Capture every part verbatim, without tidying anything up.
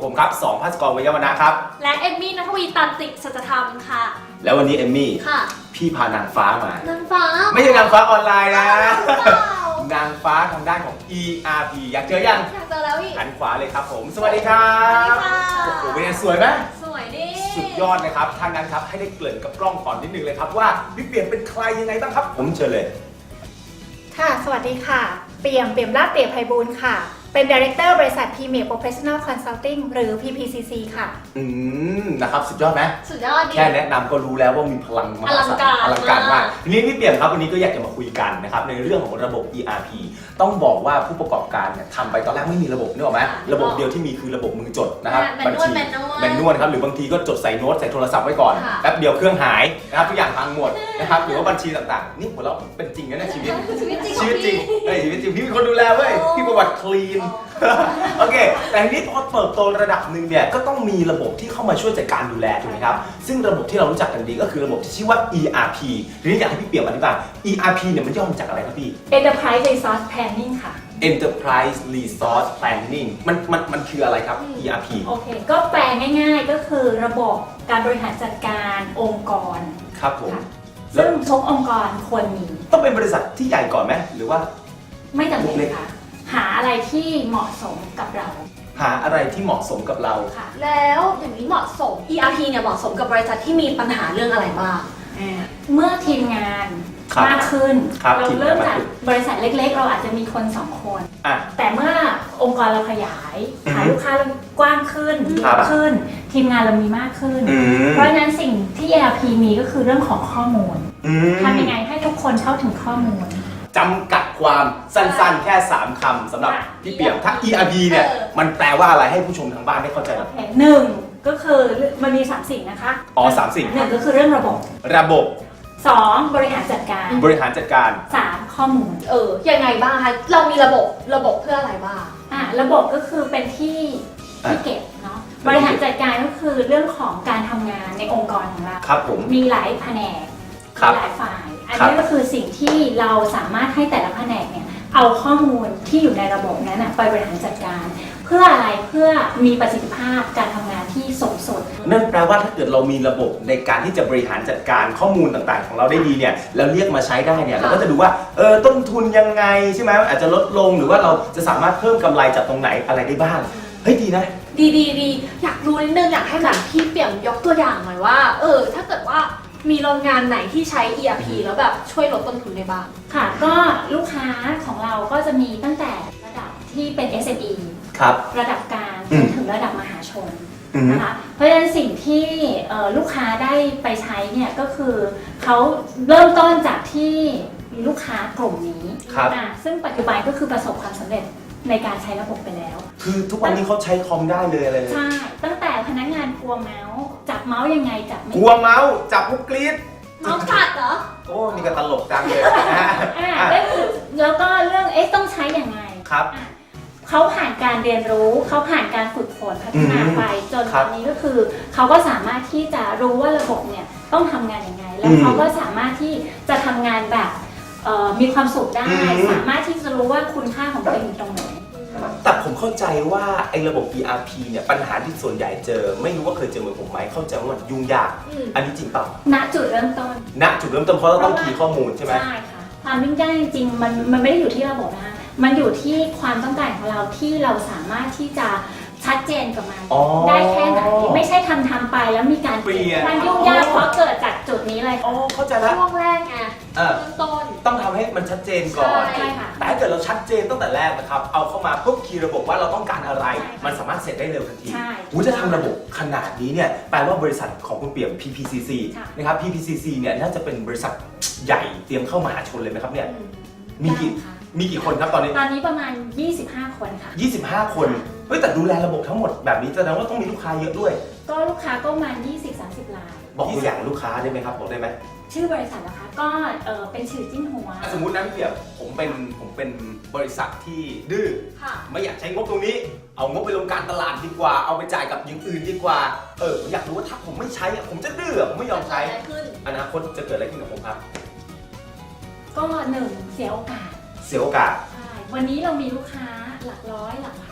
ผมครับสองภาสกรวิยวัฒนะครับและเอมมี่ณัฐวีตันติสัจธรรมค่ะแล้ววันนี้เอมมี่ค่ะพี่พานางฟ้ามานางฟ้าไม่ใช่นางฟ้าออนไลน์นะนางฟ้าทางด้านของ อี อาร์ พี อยากเจอยังอยากเจอแล้วพี่หันขวาเลยครับผมสวัสดีครับโอ้โหเป็นไงสวยไหมสวยดิสุดยอดนะครับทางนั้นครับให้ได้เกริ่นกับกล้องก่อนนิดนึงเลยครับว่าพี่เปี่ยมเป็นใครยังไงบ้างครับผมเชิญเลยค่ะสวัสดีค่ะเปี่ยมเปี่ยมลาภเปี่ยมไพบูลย์ค่ะเป็น Director บริษัท Premier Professional Consulting หรือ พี พี ซี ซี ค่ะอืมนะครับสุดยอดไหมสุดยอดดิแค่แนะนำก็รู้แล้วว่ามีพลังมหาศาลอลังการมากทีนี้พี่เปี่ยมครับวันนี้ก็อยากจะมาคุยกันนะครับในเรื่องของระบบ อี อาร์ พี ต้องบอกว่าผู้ประกอบการเนี่ยทำไปตอนแรกไม่มีระบบนึกออกไหมระบบเดียวที่มีคือระบบมือจดนะครับบัญชีแมนนวลครับหรือบางทีก็จดใส่โน้ตใส่โทรศัพท์ไว้ก่อนแป๊บเดียวเครื่องหายนะครับทุกอย่างพังหมดนะครับหรือว่าบัญชีต่างๆนี่หัวเราเป็นจริงนะชีวิตชีวิตจริงชีวิตจริงเฮ้ยชีวิตจริงพี่มีคนดูแลเว้ยพี่ประวัติคลีนโอเคแต่ทีนี้พอเติบโตระดับหนึ่งเนี่ยก็ต้องมีระบบที่เข้ามาช่วยจัดการดูแลถูกไหมครับซึ่งระบบที่เรารู้จักกันดีก็คือระบบที่ชื่อว่า อี อาร์ พี ทีนี้อยากให้พี่เปี่ยมอธิบาย อี อาร์ พี เนี่ยมันย่อมาจากอะไรครับพี่ Enterprise Resource Planning ค่ะ Enterprise Resource Planning มันมันมันคืออะไรครับ อี อาร์ พีโอเคก็แปลง่ายๆก็คือระบบการบริหารจัดการองค์กรครับผมซึ่งทุกองค์กรควรมีต้องเป็นบริษัทที่ใหญ่ก่อนไหมหรือว่าไม่จำเป็นค่ะหาอะไรที่เหมาะสมกับเราหาอะไรที่เหมาะสมกับเราค่ะแล้วอย่างนี้เหมาะสม อี อาร์ พี เนี่ยเหมาะสมกับบริษัทที่มีปัญหาเรื่องอะไรบ้างเมื่อทีมงานมากขึ้นเราเริ่มจากบริษัทเล็กๆเราอาจจะมีคนสองคนแต่เมื่อองค์กรเราขยายฐานลูกค้าเรากว้างขึ้นขึ้นทีมงานเรามีมากขึ้นเพราะฉะนั้นสิ่งที่ อี อาร์ พี มีก็คือเรื่องของข้อมูลทำยังไงให้ทุกคนเข้าถึงข้อมูลจำกัดความสั้นๆแค่สามคำสำหรับพี่เปี่ยมถ้า อี อาร์ พี เนี่ยมันแปลว่าอะไรให้ผู้ชมทางบ้านได้เข้าใจหน่อยหนึ่งก็คือมันมีสามสิ่งนะคะอ๋อสามสิ่งหนึ่งก็คือเรื่องระบบระบบสองบริหารจัดการบริหารจัดการสามข้อมูลเออยังไงบ้างคะเรามีระบบระบบเพื่ออะไรบ้างอ่ะระบบก็คือเป็นที่ที่เก็บเนาะบริหารจัดการก็คือเรื่องของการทำงานในองค์กรของเราครับผมมีหลายแผนกมีหลายฝ่ายอันนี้ก็คือสิ่งที่เราสามารถให้แต่ละแผนกเนี่ยเอาข้อมูลที่อยู่ในระบบนั้นไปบริหารจัดการเพื่ออะไรเพื่อมีประสิทธิภาพการทำงานที่สูงสุดนั่นแปลว่าถ้าเกิดเรามีระบบในการที่จะบริหารจัดการข้อมูลต่างๆของเราได้ดีเนี่ยแล้วเรียกมาใช้ได้เนี่ยเราก็จะดูว่าเออต้นทุนยังไงใช่ไหมอาจจะลดลงหรือว่าเราจะสามารถเพิ่มกำไรจากตรงไหนอะไรได้บ้างเฮ้ยดีนะดีดีดีอยากรู้นิดนึงอยากให้แบบพี่เปี่ยมยกตัวอย่างหน่อยว่าเออถ้าเกิดว่ามีโรงงานไหนที่ใช้ อี อาร์ พี แล้วแบบช่วยลดต้นทุนได้บ้างค่ะก็ลูกค้าของเราก็จะมีตั้งแต่ระดับที่เป็น เอส เอ็ม อีครับระดับกลางจนถึงระดับมหาชนนะคะเพราะฉะนั้นสิ่งที่ลูกค้าได้ไปใช้เนี่ยก็คือเขาเริ่มต้นจากที่ลูกค้ากลุ่มนี้ซึ่งปัจจุบันก็คือประสบความสำเร็จในการใช้ระบบไปแล้วคือทุกวันนี้เขาใช้คอมได้เลยอะไรเลยใช่ตั้งแต่พนักงานกลัวเมาส์จับเมาส์ยังไงจับไม่กลัวเมาส์จับมุกกรี๊ดเมาส์กัดเหรอโอ้นี่ก็ตลกจังเลยนะฮะแล้วก็เรื่องเอ๊ะต้องใช้ยังไงครับเขาผ่านการเรียนรู้เขาผ่านการฝึกฝนพัฒนาไปจนตอนนี้ก็คือเขาก็สามารถที่จะรู้ว่าระบบเนี่ยต้องทำงานยังไงแล้วเขาก็สามารถที่จะทำงานแบบมีความสุขได้สามารถที่จะรู้ว่าคุณค่าของตัวเองอยู่ตรงไหนแต่ผมเข้าใจว่าไอ้ระบบ อี อาร์ พี เนี่ยปัญหาที่ส่วนใหญ่เจอไม่รู้ว่าเคยเจอเหมือนผมไหมเข้าใจว่ามันยุ่งยากอันนี้จริงเปล่าณจุดเริ่มต้นณจุดเริ่มต้นเพราะเราต้องคีย์ข้อมูลใช่ไหมใช่ค่ะความยุ่งยากจริงๆมันมันไม่ได้อยู่ที่ระบบนะคะมันอยู่ที่ความต้องการของเราที่เราสามารถที่จะชัดเจนกับมันได้แค่ไหนไม่ใช่ทำทำไปแล้วมีการเปลี่ยนมันยุ่งยากเพราะเกิดจากจุดนี้เลยอ๋อเข้าใจแล้วช่วงแรกไงเริ่มต้นต้องทำให้มันชัดเจนก่อนแต่ถ้าเกิดเราชัดเจนตั้งแต่แรกนะครับเอาเข้ามาปุ๊บคีย์ระบบว่าเราต้องการอะไรมันสามารถเสร็จได้เร็วทันทีหูจะทำระบบขนาดนี้เนี่ยแปลว่าบริษัทของคุณเปี่ยม พี พี ซี ซี นะครับ พี พี ซี ซี เนี่ยน่าจะเป็นบริษัทใหญ่เตรียมเข้ามหาชนเลยไหมครับเนี่ยมีกี่มีกี่คนครับตอนนี้ตอนนี้ประมาณยี่สิบห้าคนค่ะยี่สิบห้าคนเฮ้ยแต่ดูแลระบบทั้งหมดแบบนี้แสดงว่าต้องมีลูกค้าเยอะด้วยก็ลูกค้าก็ประมาณ ยี่สิบถึงสามสิบ รายบอกตัวอย่างลูกค้าได้ไหมครับบอกได้ไหมชื่อบริษัทนะคะก็เออเป็นชื่อจิ้นหัวสมมุตินะพี่เปี่ยมผมเป็นผมเป็นบริษัทที่ดื้อไม่อยากใช้งบตรงนี้เอางบไปลงการตลาดดีกว่าเอาไปจ่ายกับอย่างอื่นดีกว่าเออผมอยากรู้ว่าถ้าผมไม่ใช้ผมจะดื้อผมไม่ยอมใช้อนาคตจะเกิดอะไรขึ้นกับผมครับก็หนึ่งเสียโอกาสเสียโอกาสใช่วันนี้เรามีลูกค้าหลักร้อยหลักพัน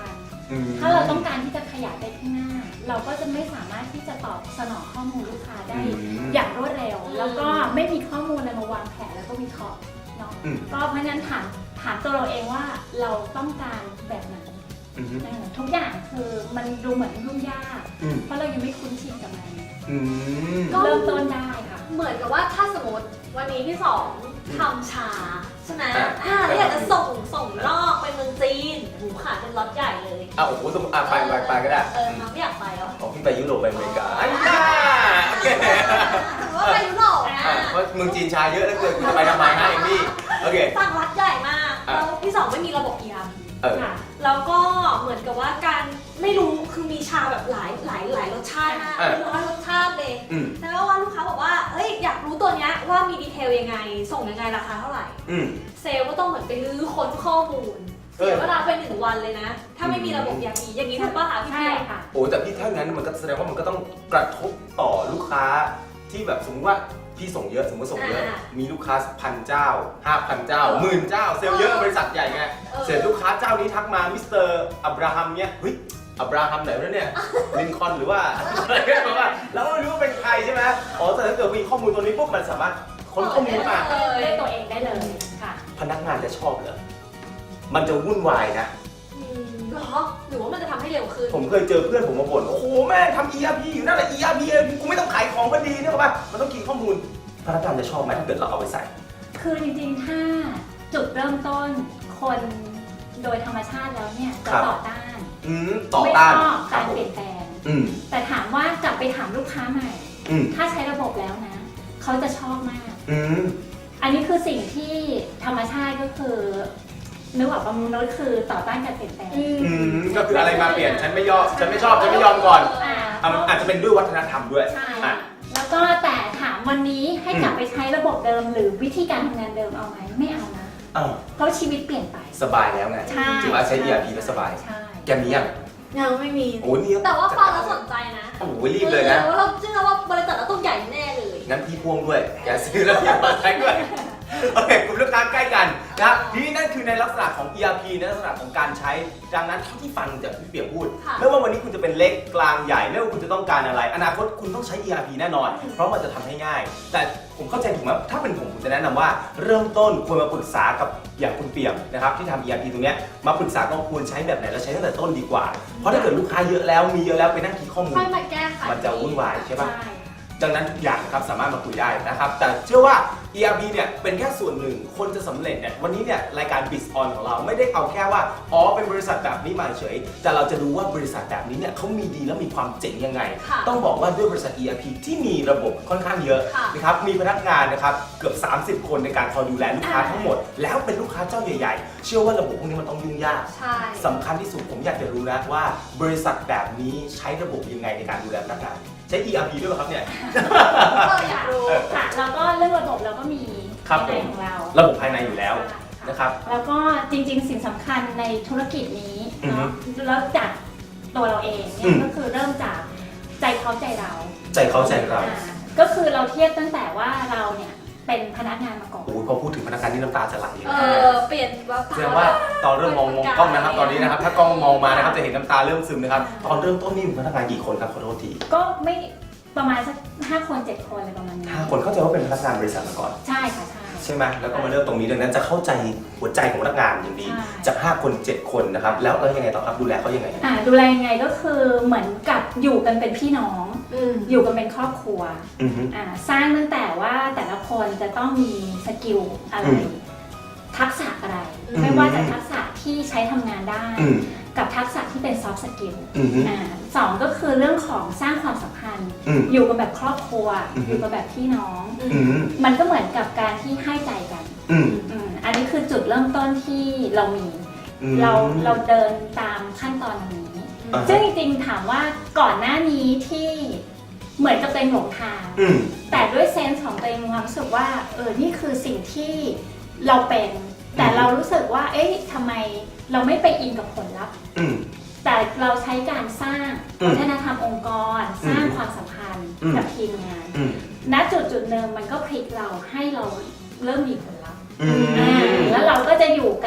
ถ้าเราต้องการที่จะขยายไปข้างหน้า เราก็จะไม่สามารถที่จะตอบสนองข้อมูลลูกค้าได้อย่างรวดเร็ว แล้วก็ไม่มีข้อมูลอะไรมาวางแผนแล้วก็วิเคราะห์เนาะก็เพราะฉะนั้นถามถามตัวเราเองว่าเราต้องการแบบไหนทุกอย่างคือมันดูเหมือนยุ่งยากเพราะเรายังไม่คุ้นชินกับมันก็เริ่มต้นได้ค่ะเหมือนกับว่าถ้าสมมติวันนี้พี่สองทำชาใช่ไหมอ่าแล้วอยากจะส่งส่งนอกไปเมืองจีนหูขาดเป็นล็อตใหญ่เลยอ่ะโอ้โหสมมติอ่ะไปไปไปก็ได้เออไม่อยากไปหรอของพี่ไปยุโรปไปอเมริกาอันนี้โอเคถือว่าไปยุโรปนะเพราะเมืองจีนชาเยอะแล้วเกิดคุณไปทำไมฮะเอมมี่โอเคสั่งล็อตใหญ่มากแล้วพี่สองไม่มีระบบ อี อาร์ พี ค่ะแล้วก็เหมือนกับว่าการไม่รู้คือมีชาแบบหลายหลายหลายรสชาติมากเป็นร้อยรสชาติเลยแล้วว่าลูกค้าบอกว่าเอ้ยอยากรู้ตัวเนี้ยว่ามีดีเทลยังไงส่งยังไงราคาเท่าไหร่เซลล์ก็ต้องเหมือนไปรื้อค้นข้อมูลเสียเวลาไปหนึ่งวันเลยนะถ้าไม่มีระบบอย่างนี้อย่างนี้ถูกป่ะคะพี่เปียค่ะโอ้แต่พี่ถ้างั้นมันก็แสดงว่ามันก็ต้องกระทบต่อลูกค้าที่แบบสมมติว่าพี่ส่งเยอะสมมติส่งเยอะมีลูกค้าพันเจ้าห้าพันเจ้าหมื่นเจ้าเซลล์เยอะบริษัทใหญ่ไงเสร็จลูกค้าเจ้านี้ทักมามิสเตอร์อับราฮัมเนี่ยเฮ้ยอับราฮัมไหนวะเนี่ยลินคอล์นหรือว่าอะไรก็แบบว่าเราไม่รู้ว่าเป็นใครใช่ไหมอ๋อแต่ถ้าเกิดมีข้อมูลตัวนี้ปุ๊บมันสามารถค้นข้อมูลมาด้วยตัวเองได้เลยค่ะพนักงานจะชอบเหรอมันจะวุ่นวายนะหรอหรือว่ามันจะทำให้เร็วขึ้นผมเคยเจอเพื่อนผมมาบ่นโอ้โหแม่งทำ อี อาร์ พี อยู่นั่นแหละ อี อาร์ พี กูไม่ต้องขายของก็ดีเนี่ยหรอปะมันต้องกินข้อมูลพนักงานจะชอบไหมถ้าเกิดเราเอาไปใส่คือจริงๆถ้าจุดเริ่มต้นคนโดยธรรมชาติแล้วเนี่ยจะต่อต้านต่อต้านไม่ชอบการเปลี่ยนแปลงแต่ถามว่ากลับไปถามลูกค้าใหม่ถ้าใช้ระบบแล้วนะเขาจะชอบมากอันนี้คือสิ่งที่ธรรมชาติก็คือนึกว่าประมนุษย์คือต่อต้านการเปลี่ยนแปลงก็คืออะไรมาเปลี่ยนฉันไม่ยอมฉันไม่ชอบฉันไม่ยอมก่อนอาจจะเป็นด้วยวัฒนธรรมด้วยใช่แล้วก็แต่ถามวันนี้ให้กลับไปใช้ระบบเดิมหรือวิธีการทำงานเดิมเอาไหมไม่เอานะเพราะชีวิตเปลี่ยนไปสบายแล้วไงถือว่าใช้ อี อาร์ พี แล้วสบายแกมียังยังไม่มีโอ้นี่แต่ว่าฟังแล้วสนใจนะโอ้โหรีบเลยนะว่าเราเชื่อว่าบริษัทเราต้องใหญ่แน่เลยงั้นพี่พ่วงด้วยแกซื้อแล้วพี่มาใช้ด้วยโอเคกลุ่มลูกค้าใกล้กันนะครับทีนี้นั่นคือในลักษณะของ อี อาร์ พี ในลักษณะของการใช้ดังนั้นเท่าที่ฟังจากพี่เปียกพูดไม่ว่าวันนี้คุณจะเป็นเล็กกลางใหญ่ไม่ว่าคุณจะต้องการอะไรอนาคตคุณต้องใช้ อี อาร์ พี แน่นอนเพราะมันจะทำให้ง่ายแต่ผมเข้าใจถูกไหมถ้าเป็นผมผมจะแนะนำว่าเริ่มต้นควรมาปรึกษากับอย่างคุณเปียกนะครับที่ทำ อี อาร์ พี ตรงนี้มาปรึกษาก็ควรใช้แบบไหนแล้วใช้ตั้งแต่ต้นดีกว่าเพราะถ้าเกิดลูกค้าเยอะแล้วมีเยอะแล้วไปนั่งคิดข้อมูลมันจะวุ่นวายใช่ปะดังนั้นทุกอย่างครับสามารถมาคุยได้นะครับแต่เชื่อว่า อี อาร์ พี เนี่ยเป็นแค่ส่วนหนึ่งคนจะสำเร็จเนี่ยวันนี้เนี่ยรายการ Biz On ของเราไม่ได้เอาแค่ว่าอ๋อเป็นบริษัทแบบนี้มาเฉยแต่เราจะดูว่าบริษัทแบบนี้เนี่ยเขามีดีและมีความเจ๋งยังไงต้องบอกว่าด้วยบริษัท อี อาร์ พี ที่มีระบบค่อนข้างเยอะนะครับมีพนักงานนะครับเกือบสามสิบคนในการคอยดูแลลูกค้าทั้งหมดแล้วเป็นลูกค้าเจ้าใหญ่ๆเชื่อว่าระบบพวกนี้มันต้องยุ่งยากสำคัญที่สุดผมอยากจะรู้นะว่าบริษัทแบบนี้ใช้ระบบยังไงในการดูแลพนักงานใช้ อี อาร์ พี ด้วยไหมครับเนี่ยก็อยากรู้ค่ะแล้วก็เรื่องระบบเราก็มีภายในของเราระบบภายในอยู่แล้วนะครับแล้วก็จริงๆสิ่งสำคัญในธุรกิจนี้เนาะแล้วจากตัวเราเองเนี่ยก็คือเริ่มจากใจเขาใจเราใจเขาใจเราก็คือเราเทียบตั้งแต่ว่าเราเนี่ยเป็นพนักงานมาก่อนโอ้ยพอพูดถึงพนักงานที่น้ำตาจะไหลเออเปลี่ยนว่าแสดงว่าตอนเริ่มมองมองกล้องนะครับตอนนี้นะครับถ้ากล้องมองมานะครับจะเห็นน้ำตาเริ่มซึมนะครับตอนเริ่มต้นนี่พนักงานกี่คนครับขอโทษทีก็ไม่ประมาณสักห้าคนเจ็ดคนอะไรประมาณนี้ห้าคนเข้าใจว่าเป็นพนักงานบริษัทมาก่อนใช่ค่ะใช่ใช่ไหมแล้วก็มาเริ่มตรงนี้ดังนั้นจะเข้าใจหัวใจของพนักงานอย่างดีจากห้าคนเจ็ดคนนะครับแล้วแล้วยังไงต่อครับดูแลเขายังไงอ่าดูแลยังไงก็คือเหมือนกับอยู่กันเป็นพี่น้องอยู่กันเป็นครอบครัวอ่าสร้างตั้งแต่ว่าแต่ละคนจะต้องมีสกิลอะไรทักษะอะไรไม่ว่าจะทักษะที่ใช้ทำงานได้กับทักษะที่เป็นซอฟต์สกิลสองก็คือเรื่องของสร้างความสัมพันธ์อยู่กันแบบครอบครัวอยู่กันแบบพี่น้องมันก็เหมือนกับการที่ให้ใจกันอันนี้คือจุดเริ่มต้นที่เรามีเราเราเดินตามขั้นตอนนี้ซึ่งจริงๆถามว่าก่อนหน้านี้ที่เหมือนกับเป็นหลงทางแต่ด้วยเซนส์ของตัวเองความรู้สึกว่าเออนี่คือสิ่งที่เราเป็นแต่เรารู้สึกว่าเอ๊ะทำไมเราไม่ไปอินกับผลลัพธ์แต่เราใช้การสร้างวัฒนธรรมองค์กรสร้างความสัมพันธ์กับทีมงานณจุดจุดหนึ่งมันก็พลิกเราให้เราเริ่มมีผลลัพธ์แล้วเราก็จะอยู่กัน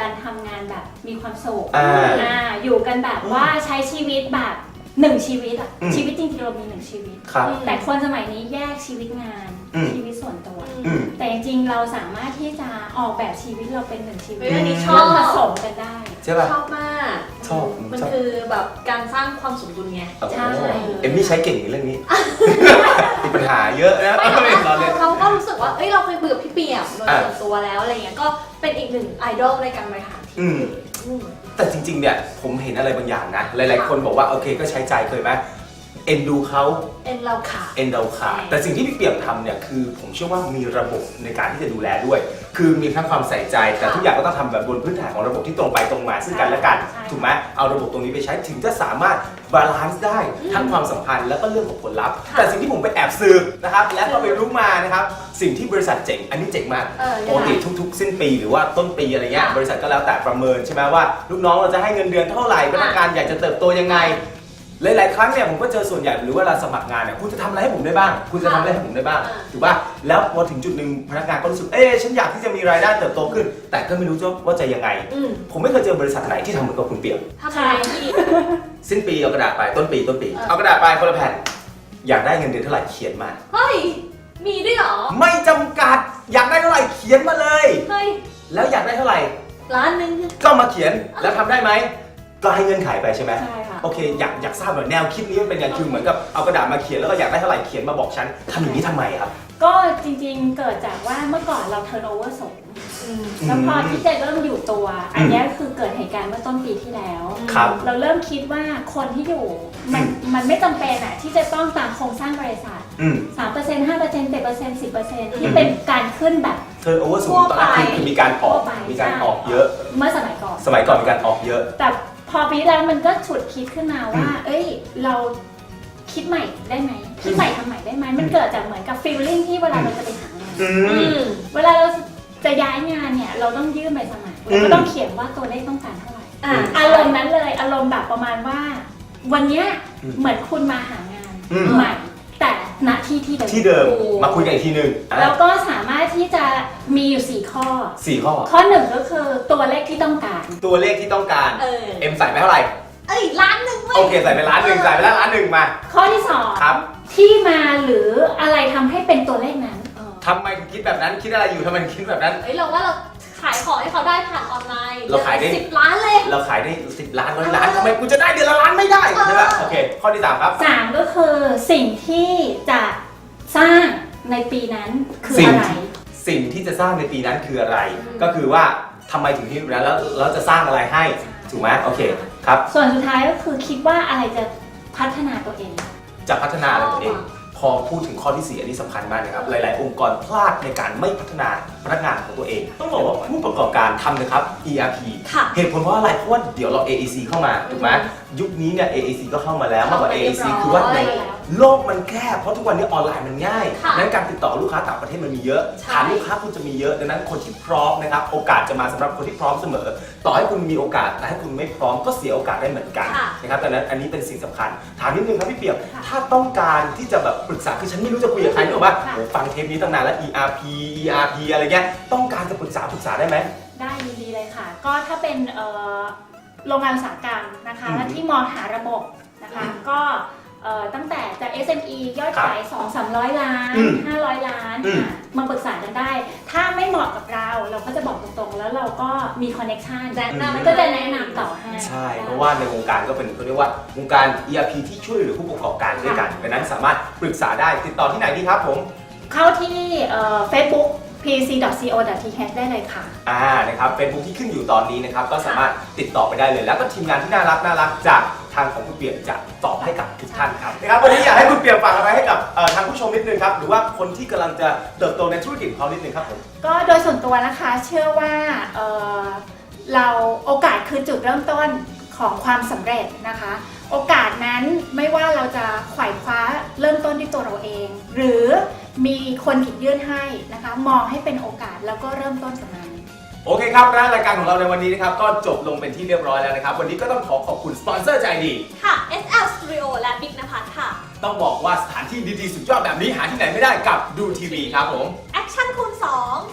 กันทำงานแบบมีความสุขอ่าอ่าอยู่กันแบบว่าใช้ชีวิตแบบหนึ่งชีวิตอะอืมชีวิตจริงๆเรามีหนึ่งชีวิตครับแต่คนสมัยนี้แยกชีวิตงานอืมชีวิตส่วนตัวอืมแต่จริงๆเราสามารถที่จะออกแบบชีวิตเราเป็นหนึ่งชีวิตเฮ้ยอันนี้ชแล้อวบผสมกันได้ใช่ป่ะชอบมากชอบมันชอบคือแบบการสร้างความสมดุลไงโอ้โหใช่เอมมี่ใช้เก่งในเรื่องนี้ มีปัญหาเยอะนะไม่ไม่เราเล่นเราก็รู้สึกว่า เอ้ย เราเคยเบื่อพี่เปียกโดยอ่ะส่วนตัวแล้วอะไรเงี้ย ก็เป็นอีกหนึ่งไอดอลในการบริหารทีอืมมอืมแต่จริงๆ เนี่ยผมเห็นอะไรบางอย่างนะ หลายๆ คนบอกว่าโอเคก็ใช้ใจเคยไหมเอ็นดูเขาเอ็นเราขาดเอ็นเราขาดแต่สิ่งที่พี่เปี่ยมทำเนี่ยคือผมเชื่อว่ามีระบบในการที่จะดูแลด้วย คือมีทั้งความใส่ใจ แต่ทุกอย่างก็ต้องทำแบบบนพื้นฐานของระบบที่ตรงไปตรงมาซึ่งกันและกันใช่ถูกไหมเอาระบบตรงนี้ไปใช้ถึงจะสามารถบาลานซ์ได้ทั้งความสัมพันธ์แล้วก็เรื่องของผลลัพธ์ค่ะแต่สิ่งที่ผมไปแอบสืบนะครับและก็ไปรู้มานะครับสิ่งที่บริษัทเจ๋งอันนี้เจ๋งมากเออปกติทุกๆ สิ้นปีหรือว่าต้นปีอะไรเงี้ยค่ะบริษัทก็แล้วแต่ประเมินใช่ไหมว่าลูกน้องเราจะให้เงินเดือนเท่าไหร่พนักงานอยากจะเติบโตยังไง หลายๆ ครั้งเนี่ยผมก็เจอส่วนใหญ่หรือว่าเวลาสมัครงานเนี่ยคุณจะทำอะไรให้ผมได้บ้าง คุณจะทำอะไรให้ผมได้บ้างอ่าถูกป่ะแล้วพอถึงจุดหนึ่งพนักงานก็รู้สึกเอ๊ะฉันอยากที่จะมีรายได้เติบโตขึ้น แต่ก็ไม่รู้ว่าจะยังไงอืมผมไม่เคยเจอบริษัทไหนที่ทำเหมือนกับคุณเปี่ยมทำอะไรที่สิ้นปีเอากระดาษไปต้นปีต้นปีเออเอากระดาษไปคนละแผ่นอยากได้เงินเดือนเท่าไหร่เขียนมาเฮ้ย มีด้วยเหรอไม่จำกัดอยากได้เท่าไหร่เขียนมาเลยเฮ้ยแล้วอยากได้เท่าไหร่ร้านหนึงก็มาเขียนแล้วทำได้ไหมก็ให้เงื่อนไขไปใช่ไหมใช่ค่ะโอเคอยากอยากทราบแบบแนวคิดนี้มันเป็นยังไงคือเหมือนกับเอากระดาษมาเขียนแล้วก็อยากได้เท่าไหร่เขียนมาบอกฉันทำอย่างนี้ทำไมครับก็จริงๆเกิดจากว่าเมื่อก่อนเราเทิร์นโอเวอร์สูงอืมแล้วพอที่จะเริ่มอยู่ตัว อันเนี้ยคือเกิดเหตุการณ์เมื่อต้นปีที่แล้วครับเราเริ่มคิดว่าคนที่อยู่มันมันไม่จำเป็นอะที่จะต้องตามโครงสร้างบริษัทอืมสามเปอร์เซ็นต์ห้าเปอร์เซ็นต์เจ็ดเปอร์เซ็นต์สิบเปอร์เซ็นต์ที่เป็นการขึ้นแบบเทิร์นโอเวอร์สูงตอนนั้นคือคือมีการออกทั่วไปมีการออกเยอะเมื่อสมัยก่อนสมัยก่อนมีการออกเยอะแต่พอปีที่แล้วมันก็ฉุดคิดขึ้นมาว่า เอ้ย เราคิดใหม่ได้ไหมคิดใหม่ทำใหม่ได้ไหมมันเกิดจากเหมือนกับฟีลลิ่งที่เวลาเราจะไปหางานอือืมมเวลาเราจะย้ายงานเนี่ยเราต้องยื่นใบสมัครอืมเราก็ต้องเขียนว่าตัวเลขต้องการเท่าไหร่อ่าอารมณ์นั้นเลยอารมณ์แบบประมาณว่า วันเนี้ยอืมเหมือนคุณมาหางานอืมใหม่ แต่ณที่ที่เดิมที่เดิมโอ้มาคุยกันอีกทีหนึ่งอ่ะแล้วก็สามารถที่จะมีอยู่สี่ข้อสี่ข้อข้อหนึ่งก็คือตัวเลขที่ต้องการตัวเลขที่ต้องการเออเอ็มใส่ไปเท่าไหร่เอ้ยร้านหนึ่งเว้ยโอเคใส่ไปล้านหนึ่งใส่ไปแล้วล้านหนึ่งมาข้อที่สองครับที่มาหรืออะไรทำให้เป็นตัวเลขนั้นเออทำไมถึงคิดแบบนั้นคิดอะไรอยู่ทำไมถึงคิดแบบนั้นเฮ้ยเราว่าเราขายของให้เขาได้ผ่านออนไลน์เราขายได้สิบล้านเลยเราขายได้สิบล้านร้อยล้านทำไมกูจะได้เดือนละล้านไม่ได้ใช่ป่ะโอเค ข้อที่สามครับสามก็คือสิ่งที่จะสร้างในปีนั้นคือสิ่งอะไรสิ่งที่จะสร้างในปีนั้นคืออะไรอืมก็คือว่าทำไมถึงที่นั้นแล้วแล้วจะสร้างอะไรให้ถูกไหมโอเคครับส่วนสุดท้ายก็คือคิดว่าอะไรจะพัฒนาตัวเองจะพัฒนาอะไรตัวเอง พอพูดถึงข้อที่สี่อันนี้สำคัญมากนะครับ หลาย ๆ องค์กรพลาดในการไม่พัฒนาพนักงานของตัวเอง ต้องบอกว่าผู้ประกอบการทำนะครับ อี อาร์ พีค่ะเหตุผลเพราะอะไรเพราะว่าเดี๋ยวเรา เอ เอ ซี เข้ามาถูกไหมยุคนี้เนี่ย เอ เอ ซี ก็เข้ามาแล้วมากกว่า เอ เอ ซี คือว่าในโลกมันแคบเพราะทุกวันนี้ออนไลน์มันง่ายค่ะดังนั้นการติดต่อลูกค้าต่างประเทศมันมีเยอะใช่ฐานลูกค้าคุณจะมีเยอะดังนั้นคนที่พร้อมนะครับโอกาสจะมาสำหรับคนที่พร้อมเสมอ ต่อให้คุณมีโอกาสแต่ถ้าคุณไม่พร้อมก็เสียโอกาสได้เหมือนกันค่ะนะครับดังนั้นอันนี้เป็นสิ่งสำคัญถามนิดนึงครับพี่เปี่ยมถ้าต้องการที่จะแบบปรึกษาคือฉันไม่รู้จะคุยกับใครหรอกว่าค่ะโอ้ฟังเทปนี้ตั้งนานแล้ว อี อาร์ พี อี อาร์ พี อะไรเงี้ยต้องการจะปรึกษาปรึกษาได้ไหมได้ยินดีเลยค่ะ ก็ถ้าเป็นเอ่อโรงงานอุตสาหกรรมนะคะอืมและที่มองหาระบบนะคะ ก็เอ่อตั้งแต่จาก เอส เอ็ม อี ยอดขาย สองถึงสามร้อย ล้านอืมห้าร้อย ล้านอืมค่ะมาปรึกษากันได้ ถ้าไม่เหมาะกับเราเราก็จะบอกตรงๆ แล้วเราก็มีคอนเน็ชันแนะนำมันก็จะแนะนำต่อให้ใช่ เพราะว่าในวงการก็เป็นเขาเรียกว่าวงการ อี อาร์ พี ที่ช่วยเหลือผู้ประกอบการด้วยกันดังนั้นสามารถปรึกษาได้ติดต่อที่ไหนดีครับผมเข้าที่เอ่อ เฟซบุ๊ก พี ซี ดอท ซี โอ ดอท ที เอช ได้เลยค่ะอ่านะครับเฟซบุ๊กที่ขึ้นอยู่ตอนนี้นะครับก็สามารถติดต่อไปได้เลย แล้วก็ทีมงานที่น่ารักน่ารักจากทางของคุณเปี่ยมจะตอบให้กับทุกท่านครับนะครับวันนี้อยากให้คุณเปี่ยมฝากอะไรให้กับเอ่อทางผู้ชมนิดนึงครับหรือว่าคนที่กำลังจะเติบโตในธุรกิจของเขานิดนึงครับผมก็โดยส่วนตัวนะคะเชื่อว่าเอ่อเราโอกาสคือจุดเริ่มต้นของความสำเร็จนะคะ โอกาสนั้นไม่ว่าเราจะไขว่คว้าเริ่มต้นที่ตัวเราเอง หรือมีคนหยิบยื่นให้นะคะมองให้เป็นโอกาสแล้วก็เริ่มต้นกับมันโอเคครับและรายการของเราในวันนี้นะครับก็จบลงเป็นที่เรียบร้อยแล้วนะครับวันนี้ก็ต้องขอขอบคุณสปอนเซอร์ใจดีค่ะ เอส แอล Studio และบิ๊กนภัสค่ะต้องบอกว่าสถานที่ดีๆสุดยอดแบบนี้หาที่ไหนไม่ได้กับดูทีวีครับผมแอคชั่นคูณสอง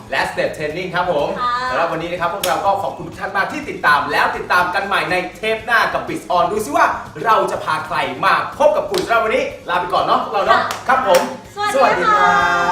และ Step Training ครับผมค่ะสำหรับวันนี้นะครับพวกเราก็ขอบคุณทุกท่านมากที่ติดตามแล้วติดตามกันใหม่ในเทปหน้ากับ Biz On ดูซิว่าเราจะพาใครมาพบกับคุณสำหรับวันนี้ลาไปก่อนเนาะพวกเราเนาะครับผมสวัสดีค่ะ